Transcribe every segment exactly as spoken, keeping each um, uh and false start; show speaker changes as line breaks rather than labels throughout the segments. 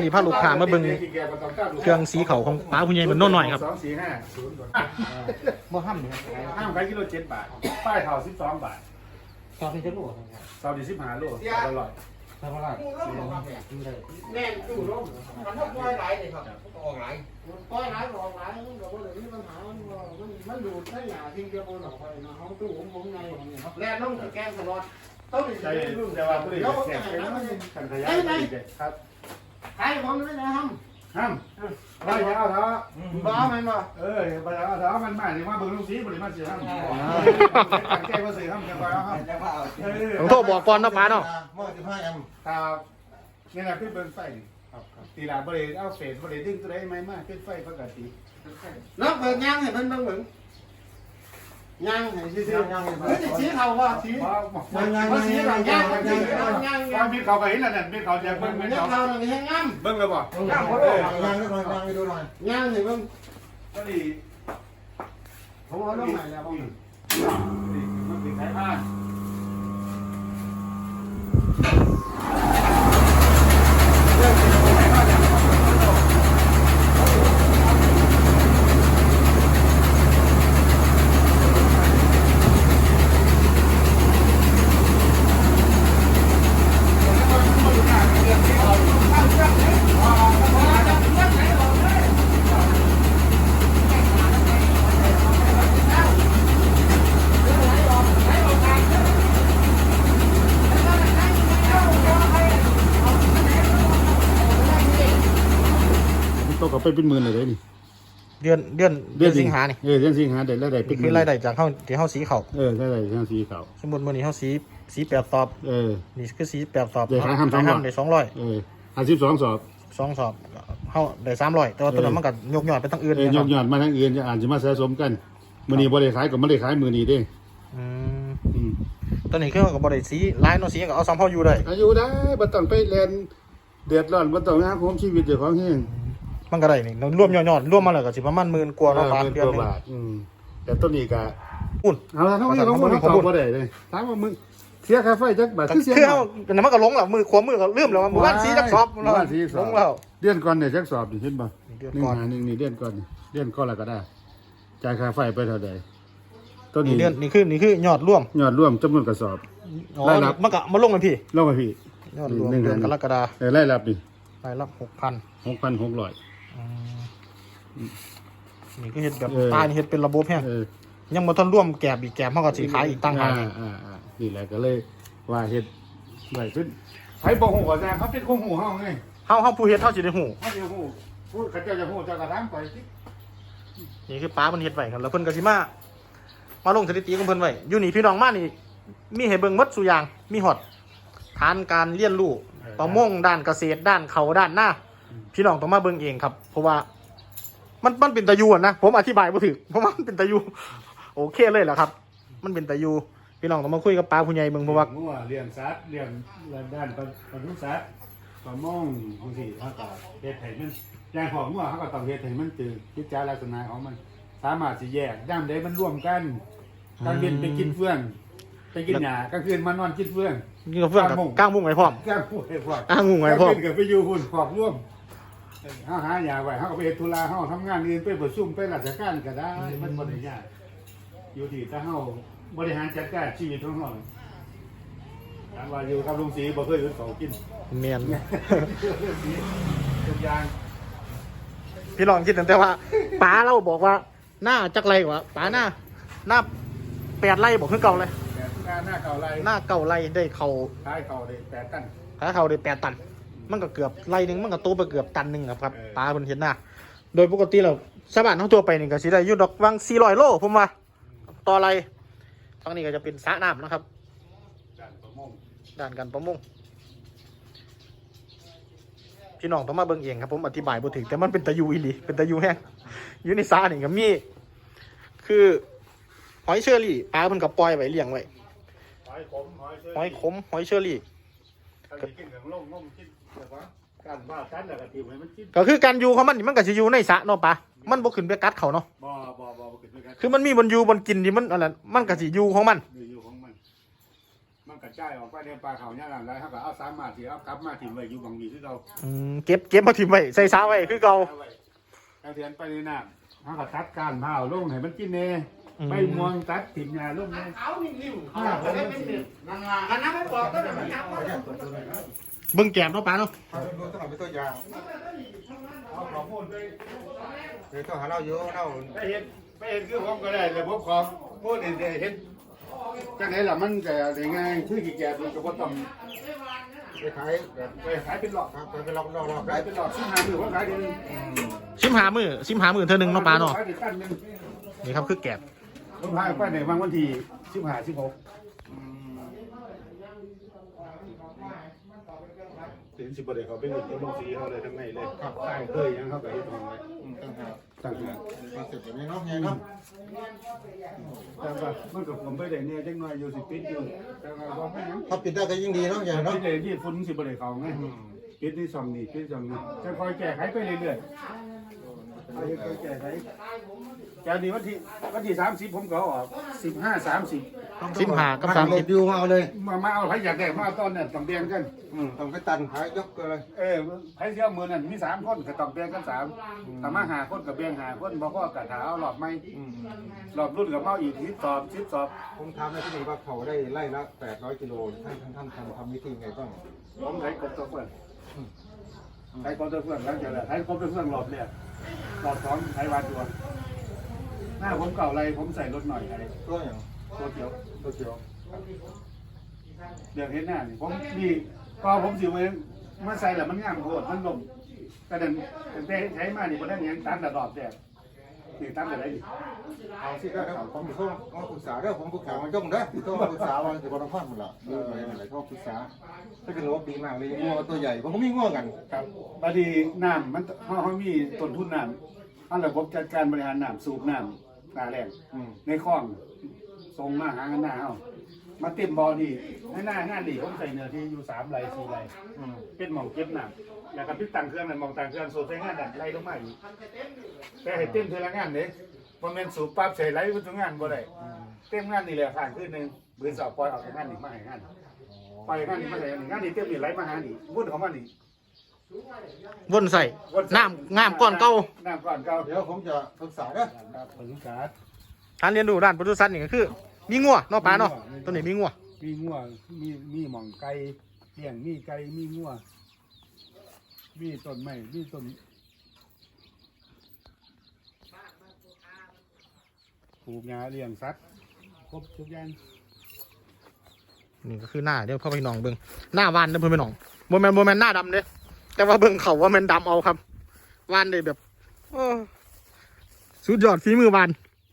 พาลูกค้ามาเบิ่งเครื่องสีเขาของป้าผู้ใหญ่มันน้อยหน่อยครับ
สองสี่ห้าศูนย์
บ่ห้ามเลย
ห้ามขายกิโลเจ็ดบาทป้ายเท่าสิบสองบาท
ตอนที่จะรู้
เท่าดีสิบห้าโลอร่อย
ทำอะไร
แม่ตู้ร่มมันต้องปล่อยไหลเลยครับออกไหลปล่อยไหลออกไหลมันก็เลยมีปัญหามันมันดูดได้หนาทิ้งเดียวบนออกไปนะเขาตู้ผมผมไงของเนี่ยแล้วน้องแกงตลอดต้องมี
ใช่แต่ว่าผู้ใดแจกเป็นขันขยายครับ
ใครผมไม่ได้ท
ห้ามไปเอาเถอะ
ำบ้าไหมบ่
เออไปเอาเถอะมันมาเนี่ยมาเบิ่งลูกสีบริมาเสียห้ามแก้มาเสียห้ามแก้มาห้าม
ผมโทรบอกก่อนนะป้าเนาะ
มอสิบห้าแอม
ครับนี่แหละขึ้นเป็นไฟครับตีลาบริเอาเฟสบริดึงตัวได้ไหมมากขึ้นไฟปกติ
แล้วเปิดย่างให้เพิ่นเบิ่งเหมือนย่างให้ซื่อๆย่างให้เพิ่นชี้เขาว่าชี้ว่าชี้หลังย่างย่างย่างย่าง
มีเขาไปเห็นแล้วเนี่ยมีเขาจะเบิ่ง
เบิ่
เป็
ง
น
เบิ่ง
เขา
เขาเนี่ยให้งาม
เบิ่งเลยบ่
ย่างเขาย่างย่างให้ดูหน่อยย่างให้เบิ่ง
ก็ดี
ผมเอาลงไหนแล้วบ่
มันติดสายพาน ตกกับไปเป็นหมื่นเลยนี่
เดือนเดือนเดือนสิงหานี่
เออเดือนสิงหาเดือนละได้เป็
นี่
น
คือรายได้จากเฮาที่เฮาสีเขา
เออได้ได้ทั้งสีขาว
สมมุติมื้อนี้เฮาสีสีแปดสอบ
เออ
นี่คือสีแปดสอบ
เดี๋ยวขายห้ามสองร้อย
ได้สองร้อย
เออห้าสิบสองสอบ
สองสอบเฮาได้สามร้อยแต่ว่าตัวนั้นมันก็ยกยอดไปทั้งอื่น
เออยอดยอดมาทั้งอื่นจะอ่านจะมาสะสมกันมือนี้บริขายกับไม่ได้ขายมือนี้เด้
อืม
อืม
ตอนนี้คือก็บ่ได้สีลายเนาะสีก็เอาซ้ำเฮาอยู่ได้
อายุได้บ่ต้องไปเรียนเดือดร้อนบ่ต้องหาความชีวิตเจ้าของเฮง
มันก็ได้นี่รวมยอดๆรวมมาแล้วก็สิประมาณหมื่นกว่าเนาะบาท
เป็น
เดือน
ตัว
หนึง
บาทอืมแต่ต้นนี้ก็
อุ่น
เอาละเท่านี้ลงมาตอบบ่ได้เลยถามว่ามึงเสียค่าไฟจักบาทคือเสีย
คือเฮาแต่มันก็ลงแล้วมือขวามือก็ลืมแล้วว่ามื้อวานสีจักสอบ
มื้อวานสีสอบ
ลงแล้ว
เดือนก่อนเนี่ยจักสอบนี่เห็นบ่
เดือน
หนึ่ง
ก่อน
หาหนึ่งนี่เดือนก่อนนี่เดือนก่อนแล้วก็ได้จ่ายค่าไฟไปเท่าใดต้น
นี่
นี้
เดือนนี่คือนี่คือยอดรวม
ยอดรวมจำนวนกระสอบ
อ๋อ
รายรับ
มันก็มาลงกันพี่
ลงมาพี่
ยอดรวม
หนึ่ง
เดือน
หนึ่ง
กรกฎาคม
เออรายรับนี่
รายรับหกพัน
หกพันหกร้อย
นี่ก็เฮ็ดแบบ
เออ
ตายนี่เฮ็ดเป็นระบบแฮง
เออ
ยังบ่ทันร่วมแกบอีกแกบเฮาก็สิขายอีกตั้งหาก
อ่าอ่าอ่านี่แหละก็เลยว่าเฮ็ดไว้ขึ้นไผบอกหูว่าแซ่เขาเป็นคงหูเฮาไง
เฮาเฮาผู้เฮ็ดเฮาสิได้ฮู้
เฮาสิหูพูดเขาเจ้าจะหูเจ้าก็ถามไปสิ
นี่คือป้าเพิ่นเฮ็ดไว้ครับแล้วเพิ่นก็สิมามาลงสถิติของเพิ่นไว้อยู่นี่พี่น้องมานี่มีให้เบิ่งหมดซุอย่างมีฮอดฐานการเรียนรู้ประมงด้านเกษตรด้านเขาด้านหน้าพี่น้องต้องมาเบิ่งเองครับ เพราะว่ามันมันเป็นตะยูอะนะผมอธิบายบ่ถูกเพราะว่ามันเป็นตะยูโอเคเลยแหละครับ มันเป็นตะยูพี่น้องต้องมาคุยกับป้าผู้ใหญ่เบิ่งเพราะว่า
งัวเลี้ยงสัตว์เลี้ยงด้านปศุสัตว์ประมงบางทีเฮาก็เฮ็ดให้มันอย่างของงัวเฮาก็ต้องเฮ็ดให้มันตื่นกิจลักษณะของมันสามารถสิแยกย่ามใดมันร่วมกันกลางเย็นไปกินเฟื่องไปกินหญ้ากลางคืนมานอนกินเฟื่อง
นี่ก็เพื่อนกับก้างมุ้งไว้พร้อม
กลางพูดให้พวก
ก้างมุ้งไว้พร้อม
กลางคืนก็ไปอยู่หุ่นขอบร่วมเฮาหาหญ้าไว้เฮาก็ไปเฮ็ดธุระเฮาทำงานอื่นไปประชุมไปราชการก็ได้มันบ่ได้ยากอยู่ที่ถ้าเฮาบริหารจัดการชีวิตของเฮาถามว่าอยู่กับลุงศรีบ่เคยอยู่เขากิน
เมียน
ทุกอย่าง
พี่ลองคิดตั้งแต่ว่าป๋าเราบอกว่าหน้าจักไรวะป๋าหน้าหน้าแปดไร่บอกขึ้นเก่าเลย
แต่หน้าหน้าเก่าไร
หน้าเก่าไร่ได้เขา
ท้ายเก่าได้แปดตัน
ขายเขาได้แปดตัน มันก็เกือบไร่หนึ่งมันก็โตไปเกือบตันหนึ่งครับครับ
เออ
ป๋าเพิ่นเห็นหน้าโดยปกติเราสะบานทั้งตัวไปนี่ก็สิได้อยู่ดอกวังสี่ร้อยโลผมว่าต่อไรฝั่งนี้ก็จะเป็นสระน้ำนะครับ
ด้านประมง
ด้านการประมงพี่น้องต้องมาเบิ่งเองครับผมอธิบายบ่ถึงแต่มันเป็นตะยูอีหลีเป็นตะยูแห้งอยู่ในสระนี่ก็มีคือหอยเชอรี่ปลาเพิ่นก็ปล่อยไว้เลี้ยงไว้
หอยขมหอยเชอ
หอยขมหอยเชอรี่
ถ้าสิกินกับลงงมกินแบบว่าการบ้ากันแล้วก็ทิ่มให้มันกิน
ก็คือการอยู่ของมันนี่มันก็สิอยู่ในสระเนาะปลามันบ่ขึ้นไปกัดเขาเนาะ
บ่บ่บ่บ่ขึ้นด้วยกัน
คือมันมีบนอยู่บนกินที่มันอะไรมันก็สิอยู่ของมัน
อยู่ของมันมันก็ระจายออกไปในปลาเขาเนี่ยหลังไรเขาก็เอาสามารถที่เอากลับมาถิ่มไว้อยู่บางวีที่เรา
อืมเก็บเก็บมาถิ่มไว้ใส่ซาไว้คือเก่า
เอาเทียนไปในน้ำเขาก็ตัดการเผาลงให้มันกินเน่ใบม่วงตัดถิ่มยาลงเน่
เขานิ่มๆเขาจะได้เป็นเด็กนั่นล่ะอันนั้นไม่บอกก็ได้มันยับ
เบิ่งแก้มเนาะป้าเนาะ
เอาดูต้องเอาไปตัวอย่าง
เอาของพูดไป
เดี๋ยวต้องหาเราอยู่เรา
ไปเห็นไปเห็นคือผมก็ได้แต่ผมขอพูดเห็นเห็นจังไหนล่ะมันก็ได้ง่ายคือกี่แก่มันก็บ่ต้อง
ไปขายแบบ
ไปขายเป็นหลอก
ครับไปลอกลอกลอก
ขายเป็นหลอกชิ้นหามือผมขายเดือน
ชิมหามือชิมหามือเธอหนึ่งเนาะป้าเนาะ
ขายเป็นตันหนึง
นี่ครับคือแก้ม
ผมพาไปในวันวันที่สิบห้าสิบหกเห็นสิบประเดี๋ยวเขาเป็นหนึ่งตัวลงสีเขาเลยทั้งในเลยครับใช่เคยยังเขาก็ยึดทองไว้
ตั้งหาก
ตั้งแต่
มาเสร็จแบบนี้เนาะไงเนาะ
แต่ว่ามันกับผมไปได้เนี่ยจังหน่อยอยู่สิปิดอยู่แต่ว่าบ่เป็นหยัง
ถ้าปิดได้ก็ยิ่งดีเนาะไง
ปิ
เนาะ
ดเลยที่ฝุ่นสิประเดี๋ยวเขาไงปิดนี่สองนี่ปิดสองนี่จะคอยแก้ไขไปเรื่อยๆคอยแก้ไขจากนี้วันที่วันที่สามสิบผมก็ออกสิบห้าสามสิบ
ชิมหากับสาม
ร
สิ
ถ
บ
ดิวมาเอาเลย
มามาเอาใครอยากได้มาเอาตอนเนี่ยต้องแบ่งกัน
อืมต้องไปตันขายยกเลย
เออไผเที่ยวมือนั่นมีสามคนก็ต้องแบ่งกันสามถ้ามาหาคนก็แบ่งหาคนบ่พอก็ถาเอาหลอดไม้
อืม
หลอดรุ่นกับเมาอีกสิบสอบสิบสอบ
ผมทำได้ที่นี่ว่าเขาได้ไล่ละแปดร้อยกิโลท่านท่านท่านทำทำวิธีไงต้อง
ผมใช้กบตัวเพื่อนใช้กบตัวเพื่อนแล้วจะได้ใช้กบตัวเพื่อนหลอดเนี่ยหลอดสองใช้วานตัวหน้าผมเก่าไรผมใส่รถหน่อยอะไร
ตัวอย่าง
ตัวเขียว
ตัวเขียว
เดี๋ยวเห็นหน้านี่ผมนี่ก็ผมสิเว้มาใส่แล้วมันงามโคตรมันลมกระเด็นแต่ใช้มานี่บ่ได้ยังตัดระดอกแต่นี่ตัดอะไรนี่
เอาสิก็ครับผมต้องมาปรึกษาเด้อผมปรึกษามันย่งเด้อต้องมาปรึกษาวันจะบรพันธ์มันละดูอะไรอะไรก็ปรึกษาถ้าเป็นรถดีมากเลยงัวตัวใหญ่ผมก็มีงัวกัน
ครับบางทีน้ำมันเขาเขามีต้นทุนน้ำอันระบบจัดการบริหารน้ำสูบน้ำตาแรง
อืม
ในคลองส่งมาหากันหน้าเอามาเต็มบ่อนี่ในหน้างานนี่ผมใส่เนื้อที่อยู่สามไร่สี่ไร่
อืม
เป็นหม่องเก็บน้ำแล้วก็พิษตังเครื่องนั่นหม่องตังเครื่องสูบใส่งานนั่นไล่ลงมาอีกแต่ให้เต็มเทอละงานเด้บ่แม่นสูบปั๊บใส่ไหลไปทุกงานบ่ได้เต็มงานนี่แหละผ่านคืนหนึงเบื้อสอบปล่อยออกจากงานนี่มาให้งานปล่อยงานนี่มาใส่งานนี่เต็มนี่ไหลมาหานี่วุ่นของมันนี่
วนใส่น้ำงามก้อนเก่า
น้ำก่อนเก่า
เดี๋ยวผมจะปรึกษาเด้อ
ครับปรึกษา
การเรียนรู้ด้านปศุสัตว์นี่ก็คือ มีงัวเนาะป้าเนาะตัวนี้มีงัว
มีงัวมีมีหม่องไก่เลี้ยงมีไก่มีงัวมีต้นไม้มีต้นปลูกหญ้าเลี้ยงสัตว์ครบทุกอย่าง
นี่ก็คือหน้าเดี๋ยวพ่อพี่น้องเบิ่งหน้าวานเด้อเพื่อนพี่น้องโมแมนโมแมนหน้าดำเด้แต่ว่าเบิ่งเขาว่าแมันดำเอาครับวานได้แบบโอ้สุดยอดฝีมือวาน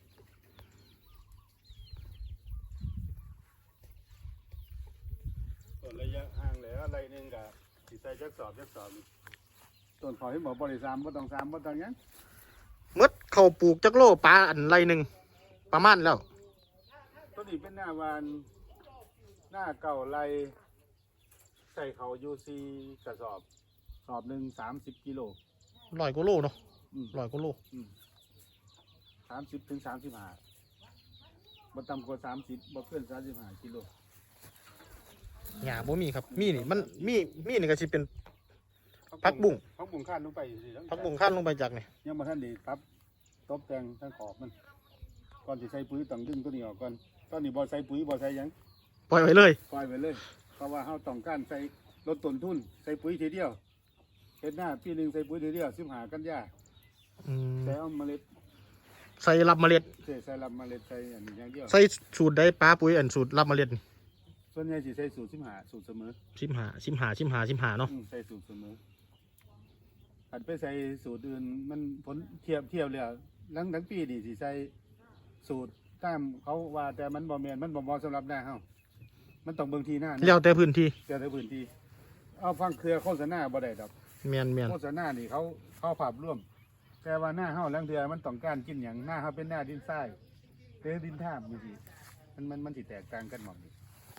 ต้นระยะห่างเหลืออะไรหนึงกับสิใส่จักสอบจักสอบต้นขอให้หมอบริสามบ่ต้องสามบ่ต้องหยัง
มดเขาปลูกจักโลปลาอันไรหนึ่งประมาณแล้ว
ต้นนี้เป็นหน้าวานหน้าเก่าไรใส่เขายูซีกระสอบสอบหนึ่งสามสิบกิโล
ลอยกว่าโลเนาะ
อืม
ลอยกว่าโล
สามสิบถึงสามสิบห้าบ่ต่ำกว่าสามสิบบ่เกินสามสิบห้ากิโล
หญ้าบ่มีครับมีนี่มันมีมีนี่ก็สิเป็น ผักบุ้ง
ผักบุ้งข้านลงไปสิ
ผักบุ้งขั้นลงไปจากนี่
ยังบ่ทันได้ปรับตบแต่งทั้งขอบมันก่อนสิใส่ปุ๋ยต้องดึงตัวนี้ออกก่อนตอนนี้บ่ใส่ปุ๋ยบ่ใส่หยัง
ปล่อยไว้เลย
ปล่อยไปเลย เพราะว่าเฮาต้องการใส่ลดต้นทุนใส่ปุ๋ยทีเดียวเฮ็ดหน้าปีหนึงใส่ปุ๋ยทีเดียวสิบห้ากันยา
อืม
ใส่เอาเมล็ด
ใส่รับเมล็ด
ใส่ใส่ลำเมล็ดใส่อันนี้อย่างเดียว
ใส่สูตรได้ปลาปุ๋ยอันสูตรรับเมล็ด
ส่วนใหญ่สิใส่สูตรสิบห้าสูตรเสมอ
ชิมหาชิมหาชิมหาชิมหาเนาะ
อืมใส่สูตรเสมออันไปใส่สูตรอื่นมันผลเทียบเทียบแล้วหลังทั้งปีนี่สิใส่สูตรตามเขาว่าแต่มันบ่แม่นมันบ่เหมาะสำหรับหน้าเฮามันต้องเบิ่งที่หน้านะ
แล้วแต่พื้นที่
เดี๋ยวในพื้นที่เอาฟังเครือโฆษณาบ่ได้ดอก
เมียนเมียน
โฆษณานี่เขาเขาภาพร่วม แต่ว่าหน้าเฮาลังเทือมันต้องการกินอย่างหน้าเฮาเป็นหน้าดินทรายเตอดินท่ามอยู่สิมันมันมันสิแตกต่างกันหมดนี่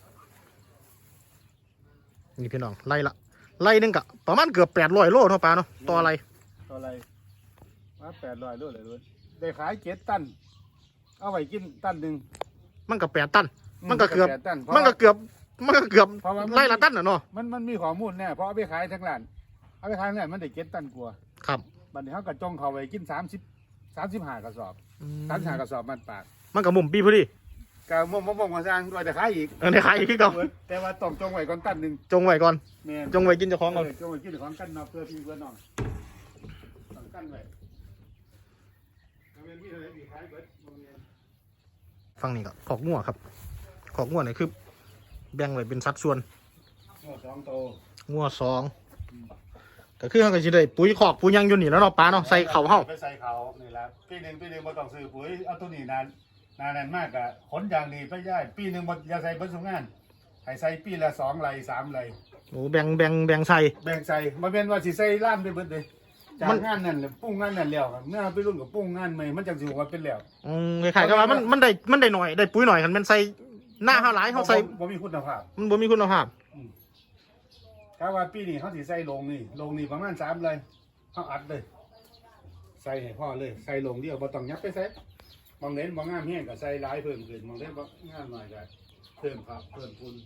นี่พี่น้องไล่ละไล่หนึงกะประมาณเกือบแปดร้อยโลเนาะปลาเนาะต่ออะไร
ต่ออะไรว่าแปดร้อยโลเลยเลยได้ขายเจ็ดตัน เอาไว้กินตันหนึ่ง
มันก็แปดตัน มันก็เกือบ
แปดตันเพราะ
มันก็เกือบมันก็เกือบ
เพราะว่ามัน
ไล่ละตันน่ะเนาะ
มันมันมีข้อมูลแน่เพราะเอาไปขายทั้งร้านเอาไปขายทั้งร้านมันได้เก็ตตันกว่า
ครับ
บัดนี้เขาก็จงเขาไว้กินสามสิบสามสิบห้ากระสอบ
อืม
สามสิบห้ากระสอบมันปาก
มันกับมุมปีพอดี
ก็มงมงมงมาสร้างด้วยแต่ขายอีก
เออในขายอีกคือเก่า
แต่ว่าต้องจงไว้ก่อนตันหนึ่ง
จงไว้ก่อน
แม่น
จงไว้กินเจ้าของก่อน
เออจงไว้กินของกันเนาะเพื่อพี่เพื่อนน้องต้องกันไว้เอาเงินมีเท่าไหร่มีขายเบิดบ่แม่น
ฟังนี่ก็ขอกงัวครับขอกงัวนี่คือแบ่งไว้เป็นสัดส่วน
หัวสองโต
งัวสองก็คือเขาก็สิได้ปุ๋ยขอกปุ๋ยหยังอยู่นี่แล้วเนาะป้าเนาะใส่เข่าเฮา
ไปใส่เขานี่ละปีหนึ่งปีหนึ่งบ่ต้องซื้อปุ๋ยเอาตัวนี้นานนานนั้นมากอะขนอย่างดีไปย่ายปีหนึ่งบ่อย่าใส่เบิดสุงานให้ใส่ปีละสองไหลสามไหล
โอ้แบ่งแบ่งแบ่งใส่
แบ่งใส่บ่แม่นว่าสิใส่ล้านไปเบิดเลยจา
มั
ก
น
งานนั่นแหละปุ้งงานนั่นแล้วครับเมื่อไปรุ่นกับปุ้งงานใหม่มันจังสิว่าเป็นแล้ว
อืมคล้ายๆกับว่ามันมันได้มันได้หน่อยได้ปุ๋ยหน่อยคันแมันใส่หน้าเฮาหลายเฮาใส่
บ่มีคุณภาพ
มันบ่มีคุณภาพ
กะว่าปีนี้เขาสิใส่ลงนี่ลงนี่ประมาณสามเลยเขาอัดเลย ใส่ให้พ่อเลยใส่ลงเดียวบ่ต้องยับไปใส่บางเน้นบางงามแห้งก็ใส่หลายเพิ่มขึ้นบางเน้นบางงามหน่อยก็เพิ่มครับเพิ่มทุน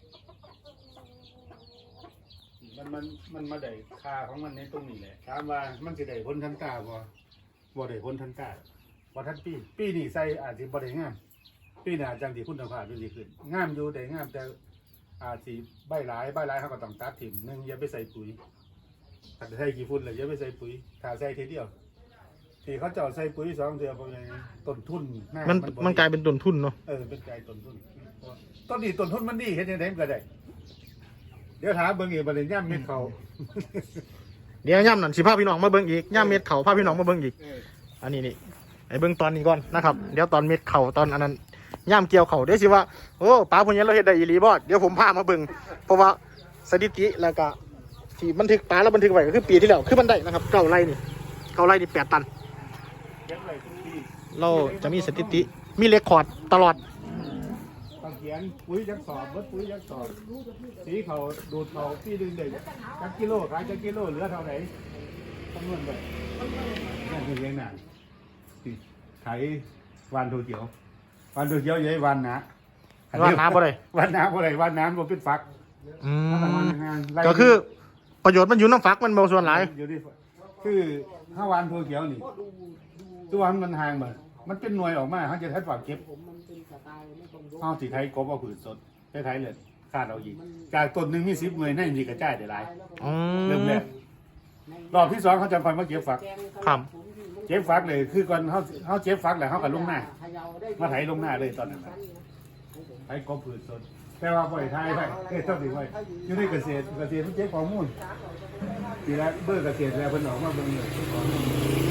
มันมันมันมาได้ค่าของมันในตรงนี้แหละถามว่ามันสิได้ผลทันตาบ่บ่ได้ผลทันตาบ่ทันปีปีนี้ใส่อาจสิบ่ได้งามปีหน้าจังสิคุณภาพดีขึ้นงามอยู่ได้งามแต่อาจสิใบหลายใบหลายเขาก็ต้องตัดถิ่มหนึงอย่าไปใส่ปุ๋ยถ้าใส่กี่ฝุ่นเลยอย่าไปใส่ปุ๋ยถ้าใส่ทีเดียวที่เขาเจาะใส่ปุ๋ยสองเดือนเพราะไงต้นทุนหา
มัน
บ่
มันกลายเป็นต้นทุนเนาะ
เออเป็นกลายต้นทุนต้นนี้ต้นทุนมันดีเฮ็ดจังได๋มันก็ได้เดี๋ยวถามเบิ่งอีกบัดนี้ย่ำเม็ดเขา
เดี๋ยวย่ำนั่นสิพาพี่น้องมาเบิ่งอีกย่ำเม็ดเข่าพาพี่น้องมาเบิ่งอีก
เออ
อันนี้นี่ไอ้เบิ่งตอนนี้ก่อนนะครับเดี๋ยวตอนเม็ดเข่าตอนอันนั้นย่ำเกี่ยวเข่าเดี๋ยวสิว่าโอ้ป้าพวกนี้เราเฮ็ดได้อีหลีบ่เดี๋ยวผมพามาเบิ่งเพราะว่าสถิติแล้วก็ที่บันทึกป้าแล้วบันทึกไว้ก็คือปีที่แล้วคือมันได้นะครับเก้าไร่นี่เก้าไร่นี่แปดตัน
เก็บไว้ทุกปี
เราจะมีสถิติมีเรคคอร์ดตลอด
ต้องเขียนปุ๋ยจักสอบเบิดปุ๋ยจักสอบสีเขาดูดเขาปีหนึงได้จักกิโลขายจักกิโลเหลือเท่าไหร่คำนวณไปนั่นคือเลี้ยงหนาสิขายวันโทเขียววันโทเขียวใหญ่วันนะ
ว่าน้ำบ่ได้
วันน้ำบ่ได้วันน้ำบ่เป็นฟัก
อื
ถ้ามัน
ม
งานไล่
ก็คือประโยชน์มันอยู่น้ำฟักมันเบาส่วนหลาย
อยู่ที่คือห้าวันโทเขียวนี่ตัวมันมันห่างบ่มันเป็นหน่วยออกมาเขาจะใช้ฝากเก็บเอาสิไทยกบเอาผืนสดใช้ไทยเลยคาดเอาอีกจากต้นหนึ่งมีสิบหน่วยในมีกระจายได้หลาย
อื
เริ่ม
ม
แรกรอบที่สองเขาจะคอยมาเก็บฝัก
ครับ
เก็บฝักเลยคือก่อนเขาเขาเก็บฝักแล้วเขากับลงหน้ามาไถลงหน้าเลยตอนนั้นน่ะไถกบผืนสดแต่ว่าปล่อยไทยไปเอ้ยเท่าสิไว้อยู่ในเกษตรเกษตรมันเก็บข้อมูลทีแรกเบอร์เกษตรแล้วเพิ่นออกมาเบิ่งเลยข้อมูล